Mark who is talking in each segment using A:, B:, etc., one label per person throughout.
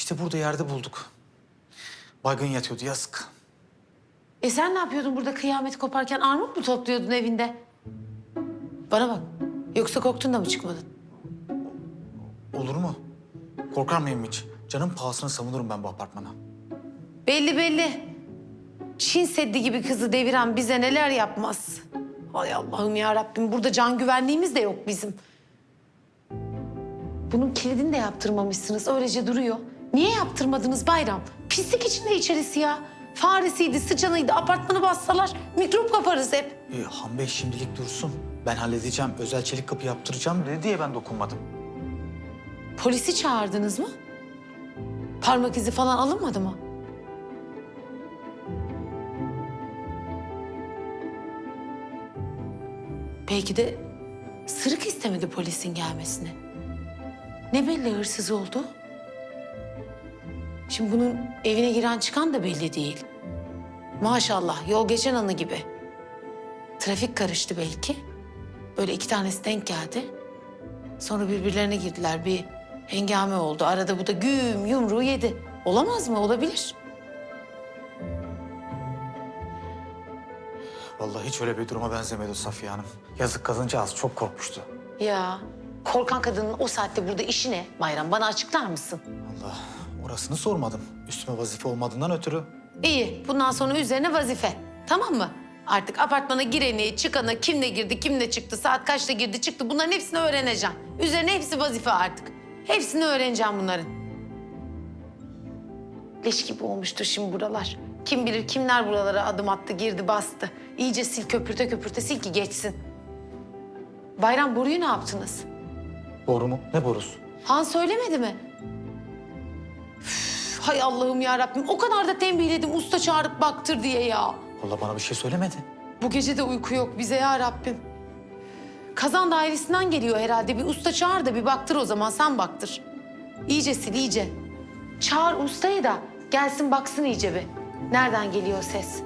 A: İşte burada yerde bulduk. Baygın yatıyordu, yazık.
B: Sen ne yapıyordun burada kıyamet koparken? Armut mu topluyordun evinde? Bana bak. Yoksa korktun da mı çıkmadın?
A: Olur mu? Korkar mıyım hiç? Canım pahasına savunurum ben bu apartmana.
B: Belli belli. Çin Seddi gibi kızı deviren bize neler yapmaz. Hay Allah'ım ya Rabbim. Burada can güvenliğimiz de yok bizim. Bunun kilidini de yaptırmamışsınız. Öylece duruyor. Niye yaptırmadınız Bayram? Pislik içinde içerisi ya. Faresiydi, sıçanıydı. Apartmanı bassalar mikrop kaparız hep.
A: Han Bey şimdilik dursun. Ben halledeceğim. Özel çelik kapı yaptıracağım dedi diye ben dokunmadım.
B: Polisi çağırdınız mı? Parmak izi falan alınmadı mı? Belki de sırık istemedi polisin gelmesini. Ne belli hırsız oldu? Şimdi bunun evine giren çıkan da belli değil. Maşallah yol geçen anı gibi. Trafik karıştı belki. Böyle iki tanesi denk geldi. Sonra birbirlerine girdiler. Bir hengame oldu. Arada bu da güm yumruğu yedi. Olamaz mı? Olabilir.
A: Vallahi hiç öyle bir duruma benzemedi o Safiye Hanım. Yazık kadıncağız çok korkmuştu.
B: Ya korkan kadının o saatte burada işi ne Bayram? Bana açıklar mısın?
A: Allah, orasını sormadım. Üstüme vazife olmadığından ötürü.
B: İyi. Bundan sonra üzerine vazife. Tamam mı? Artık apartmana gireni, çıkanı, kimle girdi, kimle çıktı, saat kaçta girdi, çıktı. Bunların hepsini öğreneceğim. Üzerine hepsi vazife artık. Hepsini öğreneceğim bunların. Leş gibi olmuştur şimdi buralar. Kim bilir kimler buralara adım attı, girdi, bastı. İyice sil, köpürte köpürte sil ki geçsin. Bayram, boruyu ne yaptınız?
A: Boru mu? Ne borusu?
B: Han söylemedi mi? Üf, hay Allah'ım ya Rabbim. O kadar da tembihledim usta çağırıp baktır diye ya.
A: Vallahi bana bir şey söylemedi.
B: Bu gece de uyku yok bize ya Rabbim. Kazan dairesinden geliyor herhalde. Bir usta çağır da bir baktır o zaman. Sen baktır. İyice sil, iyice. Çağır ustayı da gelsin baksın iyice bir. Nereden geliyor ses?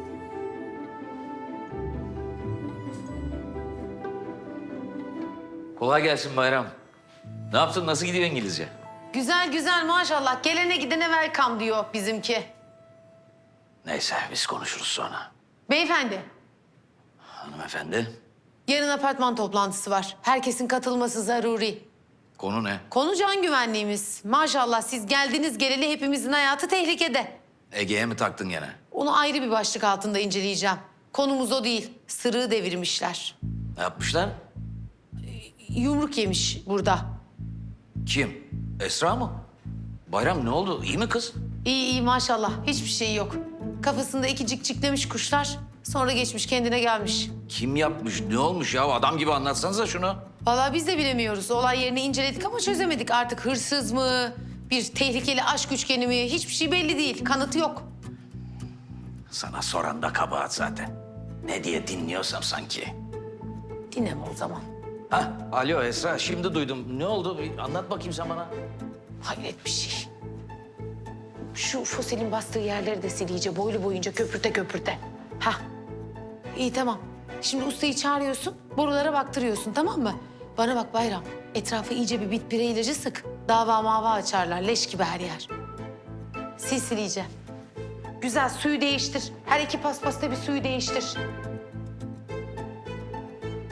C: Kolay gelsin Bayram. Ne yaptın? Nasıl gidiyor İngilizce?
B: Güzel güzel maşallah. Gelene gidene welcome diyor bizimki.
C: Neyse biz konuşuruz sonra.
B: Beyefendi,
C: Hanımefendi,
B: yarın apartman toplantısı var. Herkesin katılması zaruri.
C: konu ne?
B: Konu can güvenliğimiz. Maşallah siz geldiniz geleli hepimizin hayatı tehlikede.
C: Ege'ye mi taktın gene?
B: Onu ayrı bir başlık altında inceleyeceğim. Konumuz o değil. Sırığı devirmişler.
C: Ne yapmışlar?
B: Yumruk yemiş burada.
C: Kim? Esra mı? Bayram ne oldu? İyi mi kız?
B: İyi iyi maşallah. Hiçbir şey yok. Kafasında iki cikciklemiş kuşlar. Sonra geçmiş kendine gelmiş.
C: Kim yapmış? Ne olmuş ya? Adam gibi anlatsanıza şunu.
B: Vallahi biz de bilemiyoruz. Olay yerini inceledik ama çözemedik. Artık hırsız mı? Bir tehlikeli aşk üçgeni mi? Hiçbir şey belli değil. Kanıtı yok.
C: Sana soran da kabahat zaten. Ne diye dinliyorsam sanki.
B: Dinleme o zaman.
C: Ha, alo Esra, şimdi duydum. Ne oldu? Bir anlat bakayım sen bana.
B: Hayret bir şey. Şu fosilin bastığı yerleri de sil iyice. Boylu boyunca köpürte köpürte. Hah. İyi tamam. Şimdi ustayı çağırıyorsun. Borulara baktırıyorsun tamam mı? Bana bak Bayram. Etrafa iyice bir bitpire ilacı sık. Dava mava açarlar. Leş gibi her yer. Sil sil iyice. Güzel suyu değiştir. Her iki paspasta bir suyu değiştir.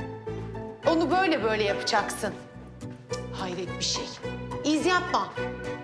B: Onu böyle böyle yapacaksın. Hayret bir şey. İz yapma.